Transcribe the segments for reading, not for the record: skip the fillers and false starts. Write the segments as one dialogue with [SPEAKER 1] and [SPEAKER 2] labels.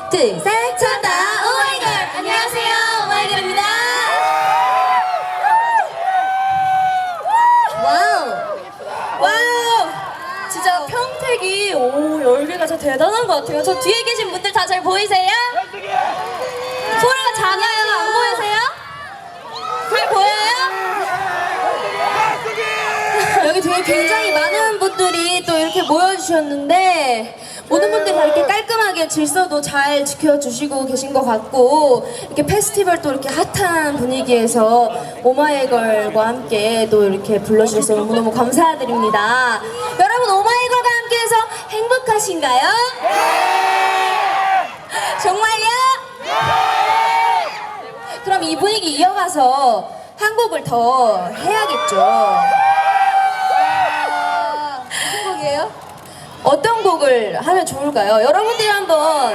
[SPEAKER 1] 둘, 셋, 찾다 오마이걸. 안녕하세요, 오마이걸입니다. 와우, 와우. 진짜 평택이 열기가 진짜 대단한 것 같아요. 저 뒤에 계신 분들 다 잘 보이세요? 소리가 작아요. 안 보이세요? 잘 보여요? 여기 뒤에 굉장히 많은 분들이 또 이렇게 모여주셨는데 모든 분들이 다 이렇게 깔끔하게 질서도 잘 지켜주시고 계신 것 같고, 이렇게 페스티벌 또 이렇게 핫한 분위기에서 오마이걸과 함께 또 이렇게 불러주셔서 너무너무 감사드립니다. 여러분, 오마이걸과 함께해서 행복하신가요? 정말요? 그럼 이 분위기 이어가서 한 곡을 더 해야겠죠. 무슨 곡이에요? 어떤 곡을 하면 좋을까요? 여러분들이 한번.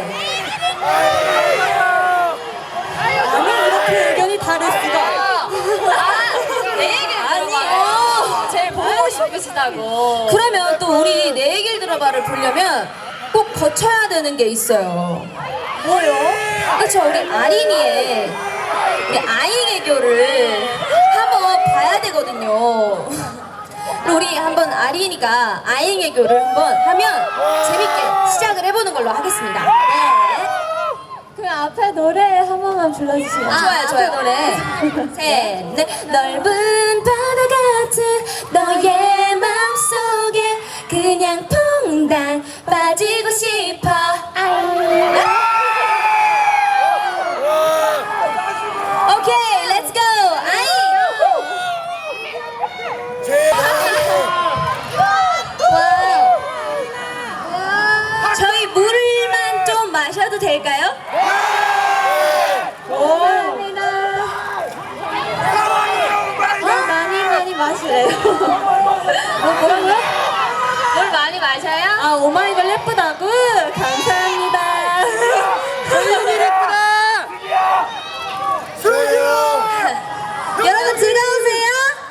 [SPEAKER 1] 아니, 이렇게 의견이 다를 수가. 내 얘기를 들어봐요. 제일 보고 싶으시다고. 그러면 또 우리 내 얘기를 들어봐를 보려면 꼭 거쳐야 되는 게 있어요. 뭐요? 그렇죠, 우리 아린이의 우리 아잉애교를 한번 봐야 되거든요. 우리 한번 아린이가 아잉애교를 한번 하면 재밌게 시작을 해보는 걸로 하겠습니다. 네.
[SPEAKER 2] 그럼 앞에 노래 한 번만 불러주시면.
[SPEAKER 1] 좋아요, 좋아요. 노래. 셋, 넷. 넓은 바다 같은 너의 맘속에 그냥 퐁당 빠지고 싶어. 오케이, 렛츠 고. 아잉. 저희 물만 좀 마셔도 될까요?
[SPEAKER 2] 감사합니다. 많이 마시래요. 뭐라고요?
[SPEAKER 1] 물 많이 마셔요?
[SPEAKER 2] 아, 오마이걸 예쁘다고? 감사합니다.
[SPEAKER 1] 얼굴이 예쁘다. 여러분 즐거우세요?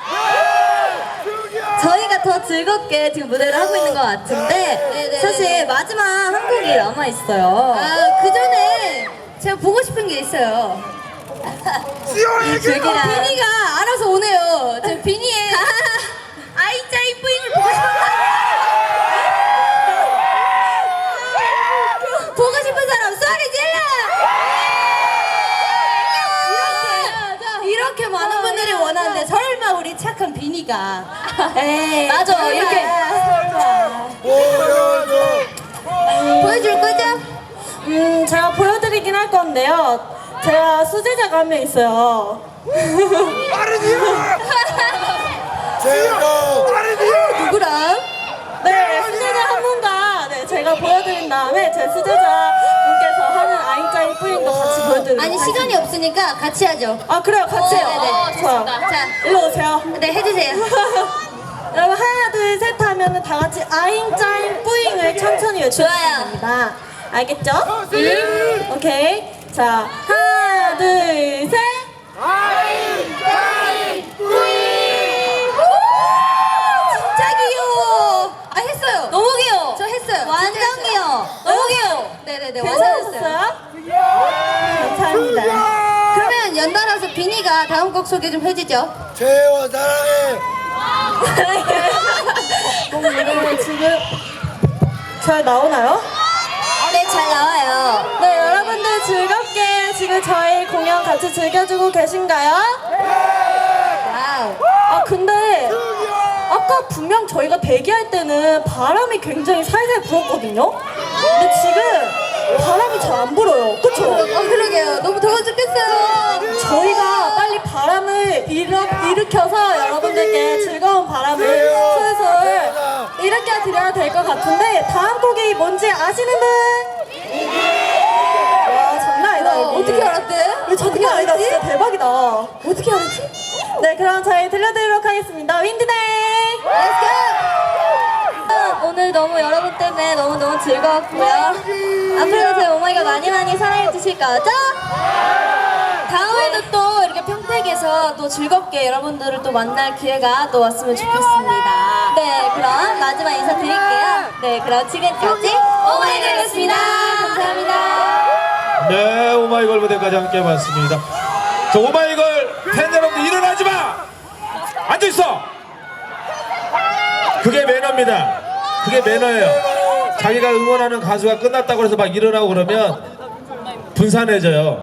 [SPEAKER 1] 저희가 더 즐겁게 지금 무대를 하고 있는 것 같은데 사실 마지막 한 곡이 남아 있어요. 그 전에 제가 보고 싶은 게 있어요. 비니가 알아서 오네요. 저 비니의 아이짜이 뿌잉을 보고 싶어요. 보고 싶은 사람 소리 질러! 이렇게 많은 분들이 원하는데 설마 우리 착한 비니가. 에이, 맞아, 이렇게 보여줄 거죠?
[SPEAKER 2] 제가 보여드리긴 할 건데요. 제가 수제자가 한 명 있어요.
[SPEAKER 1] 누구랑?
[SPEAKER 2] 네, 수제자 한 분과 제가 보여드린 다음에 제 수제자 분께서 하는 아잉짜잉 뿌잉도 같이 보여드리도록
[SPEAKER 1] 아니, 시간이 없으니까 같이 하죠.
[SPEAKER 2] 아, 그래요? 같이 해요.
[SPEAKER 1] 네네.
[SPEAKER 2] 좋아요.
[SPEAKER 1] 자,
[SPEAKER 2] 일로 오세요.
[SPEAKER 1] 네, 해주세요.
[SPEAKER 2] 여러분, 하나, 둘, 셋 하면은 다 같이 아잉짜잉 뿌잉을 천천히 외쳐주시면
[SPEAKER 1] 좋아요.
[SPEAKER 2] 됩니다. 알겠죠? 오케이. 자, 하나, 둘, 셋.
[SPEAKER 1] 아잉짜잉 뿌잉! 진짜 귀여워. 아, 했어요. 너무 귀여워. 저 했어요. 완전 귀여워. 너무 귀여워. 네네네, 완전 했어요.
[SPEAKER 2] 괜찮았어요? 감사합니다.
[SPEAKER 1] 그러면 연달아서 비니가 다음 곡 소개 좀 해주죠.
[SPEAKER 3] 재원 사랑해.
[SPEAKER 2] 이거 지금 잘 나오나요?
[SPEAKER 1] 네, 잘 나와요.
[SPEAKER 2] 네, 여러분들 즐겁게 지금 저희 공연 같이 즐겨주고 계신가요?
[SPEAKER 1] 와우.
[SPEAKER 2] 아, 근데 아까 분명 저희가 대기할 때는 바람이 굉장히 살살 불었거든요? 근데 지금 바람이 잘 안 불어요. 그쵸?
[SPEAKER 1] 그러게요. 너무 더워 죽겠어요.
[SPEAKER 2] 저희가 빨리 바람을 일으켜서 여러분들께 즐거운 바람을 솔솔 일으켜 드려야 될 것 같은데, 다음 곡이 뭔지 아시는 분? 와, 장난 아니다. 이거.
[SPEAKER 1] 어떻게 알았대?
[SPEAKER 2] 이거 장난 아니다. 진짜 대박이다.
[SPEAKER 1] 어떻게 알았지?
[SPEAKER 2] 네, 그럼 저희 들려드리도록 하겠습니다. 윈드데이!
[SPEAKER 1] 오늘 너무 여러분 때문에 너무너무 즐거웠고요. 앞으로도 저희 오마이걸 많이 사랑해 주실 거죠? 다음에도 또 이렇게 평택에서 또 즐겁게 여러분들을 또 만날 기회가 또 왔으면 좋겠습니다. 네, 그럼 마지막 인사드릴게요. 네, 그럼 지금까지 오마이걸이었습니다. 감사합니다.
[SPEAKER 3] 오마이걸 무대까지 함께 해봤습니다. 자, 오마이걸 팬 여러분들 일어나지 마! 앉아있어! 그게 매너입니다. 그게 매너예요. 자기가 응원하는 가수가 끝났다고 해서 막 일어나고 그러면 분산해져요.